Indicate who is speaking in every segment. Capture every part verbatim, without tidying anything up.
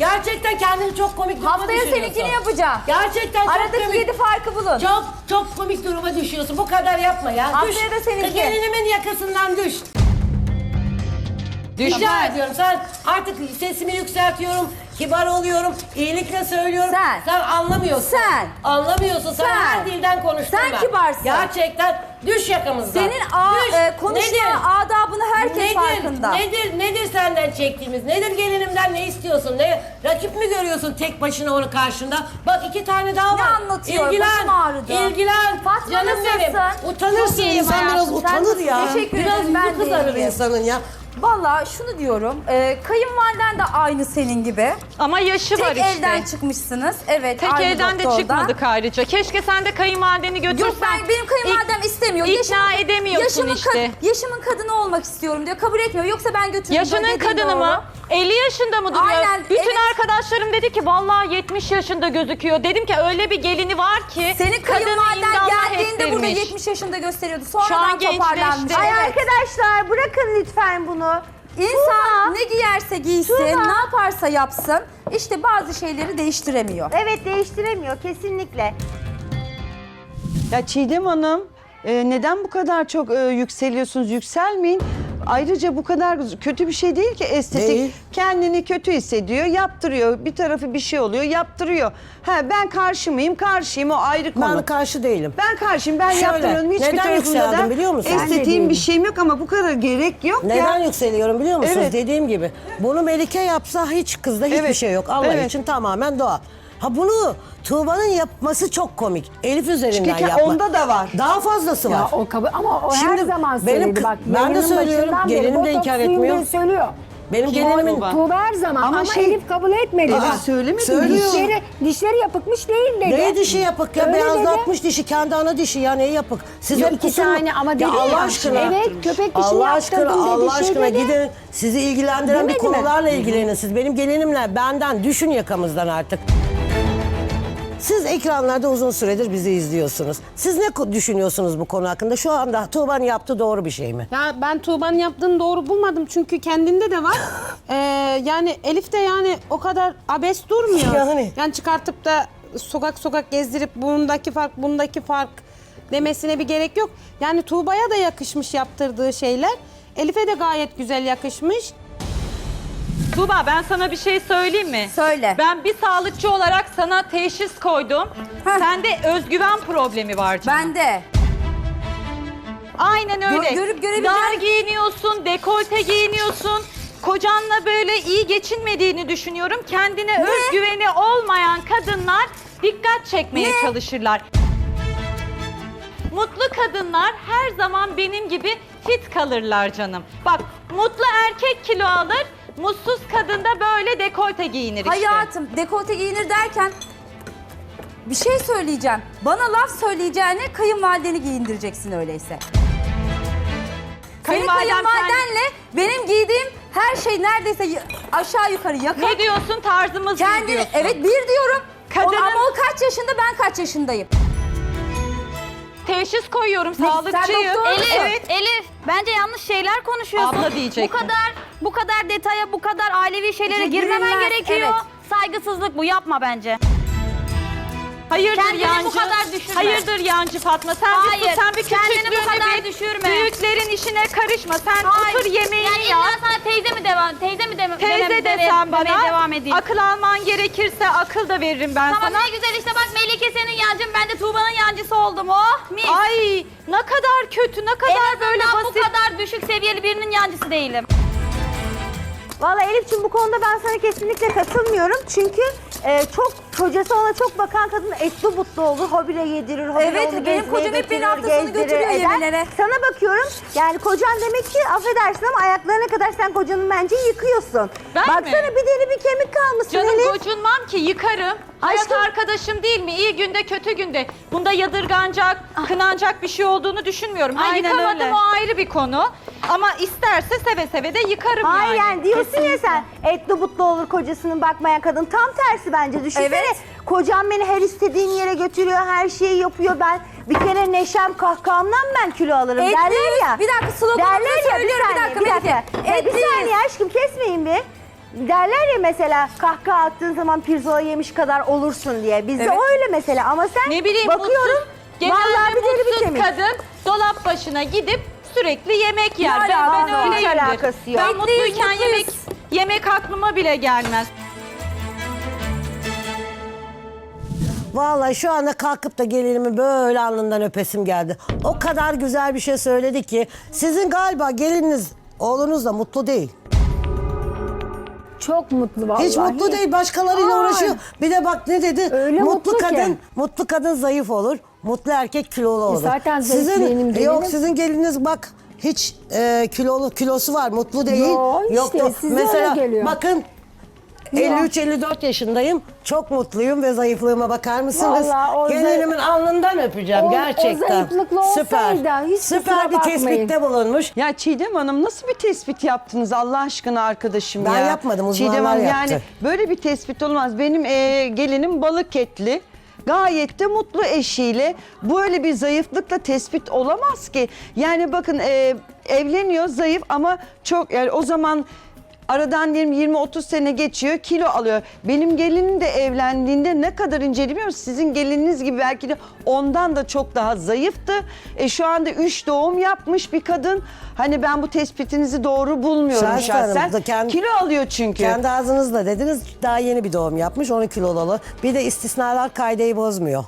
Speaker 1: Gerçekten kendini çok komik duruma
Speaker 2: Haftaya
Speaker 1: düşürüyorsun.
Speaker 2: seninkini yapacağım.
Speaker 1: Gerçekten çok
Speaker 2: Aradaki
Speaker 1: komik.
Speaker 2: yedi farkı bulun.
Speaker 1: Çok çok komik duruma düşüyorsun. Bu kadar yapma ya.
Speaker 2: Haftaya
Speaker 1: düş.
Speaker 2: da seninki.
Speaker 1: Gelinimin yakasından düş. Rica ediyorum. Sen artık sesimi yükseltiyorum. Kibar oluyorum. İyilikle söylüyorum.
Speaker 2: Sen.
Speaker 1: Sen anlamıyorsun.
Speaker 2: Sen.
Speaker 1: Anlamıyorsun. Sen,
Speaker 2: Sen.
Speaker 1: her dilden konuştun
Speaker 2: Sen
Speaker 1: ben.
Speaker 2: kibarsın.
Speaker 1: Gerçekten düş yakamızdan.
Speaker 2: Senin a,
Speaker 1: Düş.
Speaker 2: e, konuşma
Speaker 1: Nedir?
Speaker 2: adabını herkes
Speaker 1: nedir,
Speaker 2: farkında.
Speaker 1: Nedir, nedir senden çektiğimiz? Nedir gelinimden ne istiyorsun? Ne, rakip mi görüyorsun tek başına onu karşında? Bak iki tane daha var.
Speaker 2: Ne anlatıyor?
Speaker 1: İlgilen,
Speaker 2: Başım ağrıdı.
Speaker 1: İlgilen.
Speaker 2: Fatma
Speaker 1: Canım
Speaker 2: nasılsın?
Speaker 1: benim. Utanırsın.
Speaker 2: Çok iyiyim
Speaker 1: İnsan biraz
Speaker 2: hayatım. Sen
Speaker 1: utanır ya.
Speaker 2: nasılsın? Teşekkür
Speaker 1: biraz
Speaker 2: ederim, ben
Speaker 1: yüzü
Speaker 2: de
Speaker 1: kızarır
Speaker 2: iyiyim.
Speaker 1: insanın ya.
Speaker 2: Vallahi şunu diyorum, e, kayınvaliden de aynı senin gibi.
Speaker 3: Ama yaşı var
Speaker 2: Tek
Speaker 3: işte.
Speaker 2: elden çıkmışsınız. Evet,
Speaker 3: Tek
Speaker 2: aynı
Speaker 3: elden de
Speaker 2: doktordan.
Speaker 3: çıkmadık ayrıca. Keşke sen de kayınvalideni götürsen.
Speaker 2: Yok ben, benim kayınvalidem
Speaker 3: İk-
Speaker 2: istemiyor.
Speaker 3: İkna edemiyorsun
Speaker 2: yaşımın
Speaker 3: işte.
Speaker 2: ka- yaşımın kadını olmak istiyorum diyor. Kabul etmiyor. Yoksa ben götürürüm.
Speaker 3: Yaşının
Speaker 2: Dediğin
Speaker 3: kadını
Speaker 2: doğru.
Speaker 3: mı? elli yaşında mı duruyor?
Speaker 2: Aynen,
Speaker 3: Bütün
Speaker 2: evet.
Speaker 3: arkadaşlarım dedi ki vallahi yetmiş yaşında gözüküyor. Dedim ki öyle bir gelini var ki.
Speaker 2: Senin
Speaker 3: kadını
Speaker 2: kayınvaliden
Speaker 3: imdallah
Speaker 2: geldiğinde burada
Speaker 3: ettirmiş.
Speaker 2: yetmiş yaşında gösteriyordu.
Speaker 3: Şu an
Speaker 2: Sonradan
Speaker 3: gençleşti.
Speaker 2: toparlanmış.
Speaker 3: Ay
Speaker 2: Evet.
Speaker 4: Arkadaşlar bırakın lütfen bunu.
Speaker 2: İnsan ne giyerse giysin, ne yaparsa yapsın. İşte bazı şeyleri değiştiremiyor.
Speaker 4: Evet değiştiremiyor kesinlikle.
Speaker 5: Ya Çiğdem Hanım, e, neden bu kadar çok e, yükseliyorsunuz? Yükselmeyin. Ayrıca bu kadar kötü bir şey değil ki estetik.
Speaker 1: Değil.
Speaker 5: Kendini kötü hissediyor, yaptırıyor. Bir tarafı bir şey oluyor, yaptırıyor. Ha ben karşı mıyım? Karşıyım, o ayrı konu.
Speaker 1: Ben karşı değilim.
Speaker 5: Ben karşıyım, ben
Speaker 1: Şöyle,
Speaker 5: yaptırıyorum. Hiçbir
Speaker 1: neden
Speaker 5: tarafında da
Speaker 1: yükseldim biliyor musun? Ben de
Speaker 5: estetiğim bir
Speaker 1: değilim.
Speaker 5: şeyim yok ama bu kadar gerek yok
Speaker 1: Neden
Speaker 5: ya.
Speaker 1: yükseliyorum biliyor musunuz?
Speaker 5: Evet.
Speaker 1: Dediğim gibi. Bunu Melike yapsa hiç kızda hiçbir
Speaker 5: Evet.
Speaker 1: şey yok. Allah
Speaker 5: Evet.
Speaker 1: için tamamen doğal. Ha bunu Tuğba'nın yapması çok komik. Elif üzerinden
Speaker 5: Çünkü
Speaker 1: yapma.
Speaker 5: onda da var.
Speaker 1: Daha fazlası var.
Speaker 6: Ya o kabul ama o her
Speaker 1: Şimdi
Speaker 6: zaman
Speaker 1: benim
Speaker 6: söyledi
Speaker 1: kı-
Speaker 6: bak.
Speaker 1: ben de
Speaker 6: yayının
Speaker 1: söylüyorum,
Speaker 6: başından beri
Speaker 1: gelinim de
Speaker 6: botoks
Speaker 1: inkar
Speaker 6: suyum
Speaker 1: etmiyor.
Speaker 6: diye söylüyor.
Speaker 1: Benim gelinimin...
Speaker 5: Tuğba.
Speaker 6: Tuğba her zaman
Speaker 5: Ama
Speaker 6: ama,
Speaker 5: şey-
Speaker 6: Elif kabul etmedi.
Speaker 5: Aa,
Speaker 6: bak.
Speaker 5: söylemedi mi?
Speaker 1: Söylüyor.
Speaker 6: Dişleri, dişleri yapıkmış değil dedi.
Speaker 1: Ne dişi yapık ya?
Speaker 6: Öyle
Speaker 1: Beyazlatmış dişi. Kendi ana dişi ya. Neyi yapık? Siz
Speaker 6: Ya
Speaker 1: hep
Speaker 6: iki
Speaker 1: kusura-
Speaker 6: tane ama dedi
Speaker 1: Ya Allah
Speaker 6: ya.
Speaker 1: aşkına.
Speaker 6: Evet, köpek dişini
Speaker 1: Allah aşkına,
Speaker 6: yaptırdım dedi,
Speaker 1: Allah
Speaker 6: şey
Speaker 1: aşkına
Speaker 6: dedi.
Speaker 1: gidin. Sizi ilgilendiren bir
Speaker 6: Demedi mi?
Speaker 1: konularla ilgilenin siz. Benim gelinimle benden düşün yakamızdan artık. Siz ekranlarda uzun süredir bizi izliyorsunuz. Siz ne ko- düşünüyorsunuz bu konu hakkında? Şu anda Tuğba'nın yaptığı doğru bir şey mi?
Speaker 7: Ya ben Tuğba'nın yaptığını doğru bulmadım çünkü kendinde de var. Ee, yani Elif de yani o kadar abes durmuyor.
Speaker 1: Yani.
Speaker 7: Yani çıkartıp da sokak sokak gezdirip bundaki fark, bundaki fark demesine bir gerek yok. Yani Tuğba'ya da yakışmış yaptırdığı şeyler. Elif'e de gayet güzel yakışmış.
Speaker 3: Tuğba ben sana bir şey söyleyeyim mi?
Speaker 2: Söyle.
Speaker 3: Ben bir sağlıkçı olarak sana teşhis koydum.
Speaker 2: Heh.
Speaker 3: Sende özgüven problemi var canım.
Speaker 2: Ben de.
Speaker 3: Aynen öyle.
Speaker 2: Gö- görüp görebileceğin-
Speaker 3: Dar giyiniyorsun, dekolte giyiniyorsun. Kocanla böyle iyi geçinmediğini düşünüyorum. Kendine özgüveni olmayan kadınlar dikkat çekmeye
Speaker 2: Ne?
Speaker 3: çalışırlar. Mutlu kadınlar her zaman benim gibi fit kalırlar canım. Bak mutlu erkek kilo alır, mutsuz kadın da böyle dekolte giyinir işte.
Speaker 2: Hayatım dekolte giyinir derken bir şey söyleyeceğim. Bana laf söyleyeceğine kayınvalideni giyindireceksin öyleyse. Senin
Speaker 3: Kayınvalidem
Speaker 2: kayınvalidenle benim giydiğim her şey neredeyse y- aşağı yukarı yakın.
Speaker 3: Ne diyorsun tarzımız mı
Speaker 2: Kendini,
Speaker 3: diyorsun?
Speaker 2: evet bir diyorum.
Speaker 3: Kadının-
Speaker 2: O, ama o kaç yaşında ben kaç yaşındayım.
Speaker 3: Teşhis koyuyorum,
Speaker 2: Ne, sen
Speaker 3: sağlıkçıyım.
Speaker 2: doktor musun?
Speaker 3: Evet.
Speaker 8: Elif, bence yanlış şeyler konuşuyorsun.
Speaker 3: Abla diyecektim.
Speaker 8: Bu kadar, bu kadar detaya, bu kadar ailevi şeylere
Speaker 2: İşte
Speaker 8: girmemen
Speaker 2: girilmez,
Speaker 8: gerekiyor.
Speaker 2: evet.
Speaker 8: Saygısızlık bu, yapma bence.
Speaker 3: Hayırdır
Speaker 8: Kendini
Speaker 3: yancı?
Speaker 8: bu kadar düşürme.
Speaker 3: Hayırdır yancı Fatma? Sen bir
Speaker 8: Hayır,
Speaker 3: sus, sen bir
Speaker 8: kendini bu
Speaker 3: küçüklüğünü
Speaker 8: kadar
Speaker 3: bil.
Speaker 8: düşürme.
Speaker 3: Büyüklerin işine karışma. Sen
Speaker 8: Hayır.
Speaker 3: otur yemeğini
Speaker 8: Yani
Speaker 3: yap.
Speaker 8: illa sana teyze mi devam, teyze mi deme,
Speaker 3: Teyze
Speaker 8: demem-
Speaker 3: de
Speaker 8: deme-
Speaker 3: sen
Speaker 8: demeye
Speaker 3: bana.
Speaker 8: devam edeyim.
Speaker 3: Akıl alman gerekirse akıl da veririm ben
Speaker 8: Tamam
Speaker 3: sana.
Speaker 8: ne güzel işte bak Melike senin yancın, ben de Tuğba'nın yancısı oldum. Oh mis.
Speaker 3: Ay ne kadar kötü, ne kadar
Speaker 8: en
Speaker 3: böyle
Speaker 8: azından
Speaker 3: basit.
Speaker 8: bu kadar düşük seviyeli birinin yancısı değilim.
Speaker 4: Vallahi Elif'ciğim bu konuda ben sana kesinlikle katılmıyorum. Çünkü e, çok kocası ona çok bakan kadın etli butlu olur. Hobile yedirir, hobile
Speaker 2: Evet,
Speaker 4: onu
Speaker 2: benim
Speaker 4: gezmeye
Speaker 2: kocam hep beni
Speaker 4: götürür,
Speaker 2: hafta sonu
Speaker 4: gezdirir,
Speaker 2: götürüyor
Speaker 4: eder.
Speaker 2: yemeğlere.
Speaker 4: Sana bakıyorum yani kocan demek ki affedersin ama ayaklarına kadar sen kocanın bence yıkıyorsun.
Speaker 3: Ben
Speaker 4: Baksana
Speaker 3: mi?
Speaker 4: bir deri bir kemik kalmışsın
Speaker 3: Canım
Speaker 4: Elif.
Speaker 3: gocunmam ki yıkarım. Hayat
Speaker 4: Aşkım-
Speaker 3: arkadaşım değil mi? İyi günde kötü günde. Bunda yadırganacak, kınanacak bir şey olduğunu düşünmüyorum. Ha,
Speaker 8: Aynen
Speaker 3: yıkamadım
Speaker 8: öyle.
Speaker 3: o ayrı bir konu. Ama isterse seve seve de yıkarım
Speaker 4: Hayır
Speaker 3: yani.
Speaker 4: yani diyorsun ya sen etli butlu olur kocasının bakmayan kadın. Tam tersi bence düşünsene.
Speaker 2: Evet.
Speaker 4: Kocam beni her istediğin yere götürüyor, her şeyi yapıyor. Ben bir kere neşem kahkahamdan ben kilo alırım
Speaker 2: Etli
Speaker 4: derler ya.
Speaker 2: yüz- bir dakika, sloganımızı
Speaker 4: Derler ya,
Speaker 2: söylüyorum, bir dakika,
Speaker 4: bir dakika.
Speaker 2: Melike.
Speaker 4: Ya bir
Speaker 2: Etli yüz-
Speaker 4: saniye aşkım kesmeyin bir. derler ya mesela kahkaha attığın zaman pirzola yemiş kadar olursun diye. Bizde
Speaker 3: Evet.
Speaker 4: öyle mesela ama sen
Speaker 3: Ne bileyim
Speaker 4: bakıyorum
Speaker 3: mutsuz,
Speaker 4: vallahi
Speaker 3: genelde
Speaker 4: bir deri bir
Speaker 3: mutsuz
Speaker 4: kemik.
Speaker 3: kadın dolap başına gidip sürekli yemek yer.
Speaker 4: Ne
Speaker 3: Ben, ben
Speaker 4: alakası var? Hiç
Speaker 3: öyleyimdir.
Speaker 4: alakası yok.
Speaker 3: Ben
Speaker 2: Mutluyuz,
Speaker 3: mutluyken
Speaker 2: mutluyuz.
Speaker 3: yemek yemek aklıma bile gelmez.
Speaker 1: Vallahi şu anda kalkıp da gelinimi böyle alnından öpesim geldi. O kadar güzel bir şey söyledi ki sizin galiba gelininiz oğlunuz da mutlu değil.
Speaker 6: Çok mutlu vallahi.
Speaker 1: Hiç mutlu değil, başkalarıyla
Speaker 6: Ay.
Speaker 1: uğraşıyor. Bir de bak ne dedi?
Speaker 6: Öyle
Speaker 1: mutlu
Speaker 6: mutlu ki.
Speaker 1: kadın, mutlu kadın zayıf olur. Mutlu erkek kilolu olur.
Speaker 6: zaten zayıf
Speaker 1: sizin
Speaker 6: benim
Speaker 1: yok
Speaker 6: gelinim.
Speaker 1: sizin geliniz bak hiç e, kilolu kilosu var, mutlu değil.
Speaker 6: Yo, işte,
Speaker 1: da-
Speaker 6: size
Speaker 1: mesela
Speaker 6: öyle geliyor.
Speaker 1: bakın elli üç elli dört yaşındayım. Çok mutluyum ve zayıflığıma bakar mısınız?
Speaker 6: Vallahi o
Speaker 1: Gelinimin alnından öpeceğim
Speaker 6: O- o
Speaker 1: gerçekten.
Speaker 6: zayıflıkla
Speaker 1: Süper.
Speaker 6: olsaydı hiç
Speaker 1: Süper
Speaker 6: kusura
Speaker 1: bir
Speaker 6: bakmayın.
Speaker 1: tespitte bulunmuş.
Speaker 5: Ya Çiğdem Hanım nasıl bir tespit yaptınız Allah aşkına arkadaşım
Speaker 1: Ben
Speaker 5: ya?
Speaker 1: yapmadım, uzmanlar
Speaker 5: Çiğdem Hanım
Speaker 1: yaptı.
Speaker 5: yani böyle bir tespit olmaz. Benim e, gelinim balık etli. Gayet de mutlu eşiyle. Böyle bir zayıflıkla tespit olamaz ki. Yani bakın e, evleniyor zayıf ama çok yani o zaman aradan diyelim yirmi otuz sene geçiyor kilo alıyor. Benim gelinim de evlendiğinde ne kadar ince biliyor musunuz? Sizin gelininiz gibi belki de ondan da çok daha zayıftı. E, şu anda üç doğum yapmış bir kadın. Hani ben bu tespitinizi doğru bulmuyorum
Speaker 1: Şahsen Hanım,
Speaker 5: şahsen.
Speaker 1: da kendi-
Speaker 5: Kilo alıyor çünkü.
Speaker 1: Kendi ağzınızla dediniz daha yeni bir doğum yapmış on kilolu. Bir de istisnalar kaideyi bozmuyor.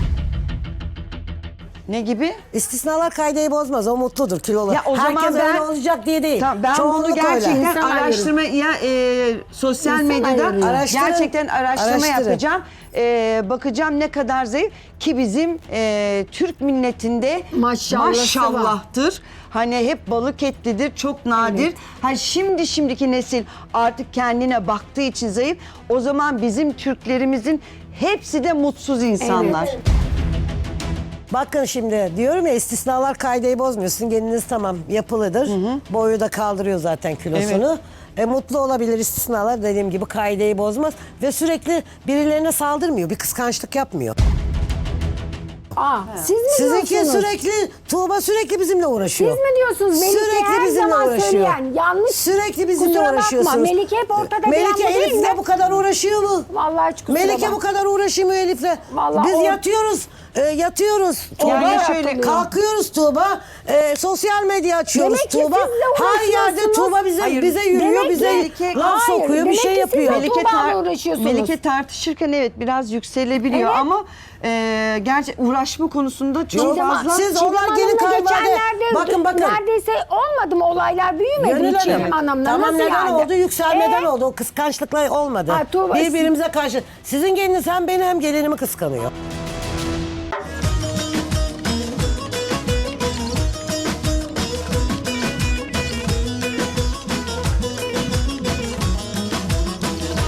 Speaker 5: Ne gibi?
Speaker 1: İstisnalar kaideyi bozmaz. O mutludur kilolu.
Speaker 5: Ya o zaman
Speaker 1: Herkes
Speaker 5: ben-
Speaker 1: öyle olacak diye değil.
Speaker 5: Tamam, ben
Speaker 1: Çoğunluk
Speaker 5: bunu gerçekten
Speaker 1: öyle.
Speaker 6: İnsan
Speaker 5: araştırma ya e, sosyal
Speaker 6: İnsan
Speaker 5: medyada
Speaker 6: ayırıyor.
Speaker 1: Araştırın.
Speaker 5: gerçekten araştırma
Speaker 1: Araştırın.
Speaker 5: yapacağım. E, bakacağım ne kadar zayıf ki bizim e, Türk milletinde
Speaker 6: Maşallahı
Speaker 5: maşallahtır. Hani hep balık etlidir, çok nadir. Ha şimdi şimdiki nesil artık kendine baktığı için zayıf. O zaman bizim Türklerimizin hepsi de mutsuz insanlar.
Speaker 1: Bakın şimdi diyorum ya istisnalar kaideyi bozmuyor. Sizin geliniz tamam yapılıdır. Boyu da kaldırıyor zaten kilosunu. E, mutlu olabilir istisnalar dediğim gibi kaideyi bozmaz. Ve sürekli birilerine saldırmıyor. Bir kıskançlık yapmıyor.
Speaker 6: Aa, siz mi
Speaker 1: Sizinki
Speaker 6: diyorsunuz?
Speaker 1: sürekli, Tuğba sürekli bizimle uğraşıyor.
Speaker 6: Siz mi diyorsunuz? Melike
Speaker 1: Sürekli
Speaker 6: her
Speaker 1: bizimle
Speaker 6: zaman
Speaker 1: uğraşıyor.
Speaker 6: söyleyen, yanlış.
Speaker 1: Sürekli bizimle
Speaker 6: Kusura bakma,
Speaker 1: uğraşıyorsunuz.
Speaker 6: Melike hep ortada
Speaker 1: Melike
Speaker 6: bir anda değil
Speaker 1: Elif'le
Speaker 6: mi?
Speaker 1: bu kadar uğraşıyor mu?
Speaker 6: Vallahi hiç kusura
Speaker 1: Melike
Speaker 6: bakma.
Speaker 1: bu kadar uğraşıyor mu Elif'le?
Speaker 6: Vallahi
Speaker 1: Biz
Speaker 6: o-
Speaker 1: yatıyoruz, e, yatıyoruz. Tuğba,
Speaker 5: Yani şöyle-
Speaker 1: kalkıyoruz Tuğba, e, sosyal medya açıyoruz
Speaker 6: Demek ki
Speaker 1: Tuğba.
Speaker 6: sizle
Speaker 1: Her yerde
Speaker 6: uğraşıyorsunuz.
Speaker 1: Tuğba bize
Speaker 5: Hayır,
Speaker 1: bize yürüyor,
Speaker 6: demek
Speaker 1: bize
Speaker 6: ki-
Speaker 1: laf
Speaker 6: Hayır,
Speaker 1: sokuyor, bir
Speaker 6: demek
Speaker 1: şey
Speaker 6: ki
Speaker 1: yapıyor.
Speaker 6: siz de Tuğba'yla uğraşıyorsunuz.
Speaker 5: Melike tartışırken evet biraz yükselebiliyor
Speaker 6: Evet.
Speaker 5: ama e, gerçi uğraşma konusunda çok
Speaker 1: Yok,
Speaker 5: fazla.
Speaker 1: siz
Speaker 6: Çiğdem
Speaker 1: onlar gelin
Speaker 6: Hanım'la
Speaker 1: kayınvalide.
Speaker 6: geçenlerde
Speaker 1: Bakın bakın.
Speaker 6: neredeyse olmadı mı olaylar büyümedi
Speaker 1: Gönül
Speaker 6: mi Çiğdem
Speaker 1: Hanım,
Speaker 6: Hanım'la?
Speaker 1: tamam
Speaker 6: Nasıl
Speaker 1: neden
Speaker 6: yani?
Speaker 1: oldu? Yükselmeden
Speaker 6: Ee?
Speaker 1: oldu. O kıskançlıkla olmadı.
Speaker 6: Ha, Tuğba-
Speaker 1: Birbirimize karşı. Sizin geliniz hem beni hem gelinimi kıskanıyor.